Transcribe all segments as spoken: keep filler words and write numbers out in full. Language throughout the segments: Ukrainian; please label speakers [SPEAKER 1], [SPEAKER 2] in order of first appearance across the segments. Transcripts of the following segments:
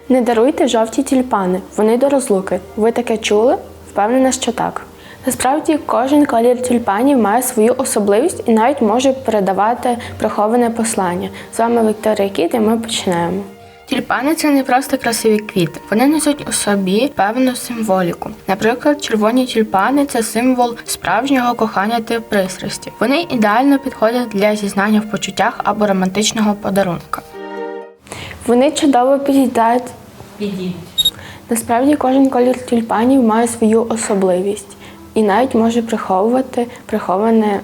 [SPEAKER 1] Не даруйте жовті тюльпани, вони до розлуки. Ви таке чули? Впевнена, що так. Насправді, кожен колір тюльпанів має свою особливість і навіть може передавати приховане послання. З вами Вікторія Кіт і ми починаємо. Тюльпани – це не просто красиві квіти. Вони несуть у собі певну символіку. Наприклад, червоні тюльпани – це символ справжнього кохання та пристрасті. Вони ідеально підходять для зізнання в почуттях або романтичного подарунка. Вони чудово підійдуть.
[SPEAKER 2] Підійдуть.
[SPEAKER 1] Насправді, кожен колір тюльпанів має свою особливість і навіть може приховувати приховане.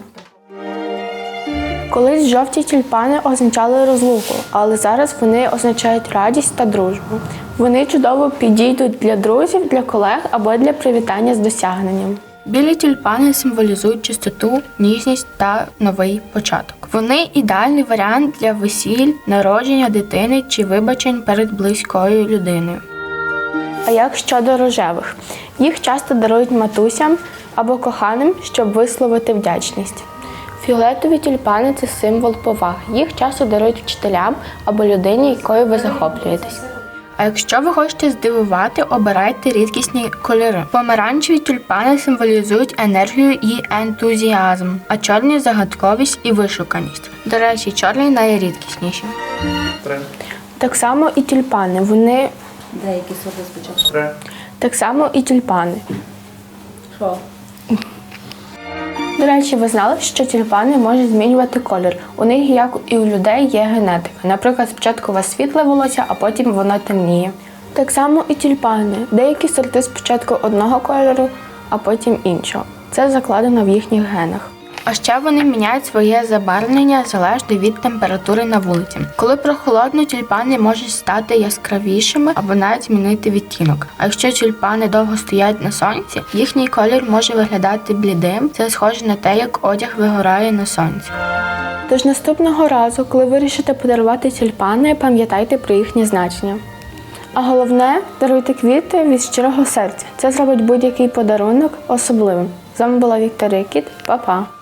[SPEAKER 1] Колись жовті тюльпани означали розлуку, але зараз вони означають радість та дружбу. Вони чудово підійдуть для друзів, для колег або для привітання з досягненням. Білі тюльпани символізують чистоту, ніжність та новий початок. Вони ідеальний варіант для весіль, народження дитини чи вибачень перед близькою людиною. А як щодо рожевих? Їх часто дарують матусям або коханим, щоб висловити вдячність. Фіолетові тюльпани – це символ поваги. Їх часто дарують вчителям або людині, якою ви захоплюєтесь. А якщо ви хочете здивувати, обирайте рідкісні кольори. Помаранчеві тюльпани символізують енергію і ентузіазм, а чорні – загадковість і вишуканість. До речі, чорні найрідкісніші.
[SPEAKER 3] Три.
[SPEAKER 1] Так само і тюльпани. Вони...
[SPEAKER 2] Деякі сорти спочатку.
[SPEAKER 3] Три.
[SPEAKER 1] Так само і тюльпани.
[SPEAKER 2] Що?
[SPEAKER 1] До речі, ви знали, що тюльпани можуть змінювати колір? У них, як і у людей, є генетика. Наприклад, спочатку у вас світле волосся, а потім воно темніє. Так само і тюльпани. Деякі сорти спочатку одного кольору, а потім іншого. Це закладено в їхніх генах. А ще вони міняють своє забарвлення залежно від температури на вулиці. Коли прохолодно, тюльпани можуть стати яскравішими або навіть змінити відтінок. А якщо тюльпани довго стоять на сонці, їхній колір може виглядати блідим. Це схоже на те, як одяг вигорає на сонці. Тож наступного разу, коли вирішите подарувати тюльпани, пам'ятайте про їхнє значення. А головне, даруйте квіти від щирого серця. Це зробить будь-який подарунок особливим. З вами була Вікторія Кіт. Па-па!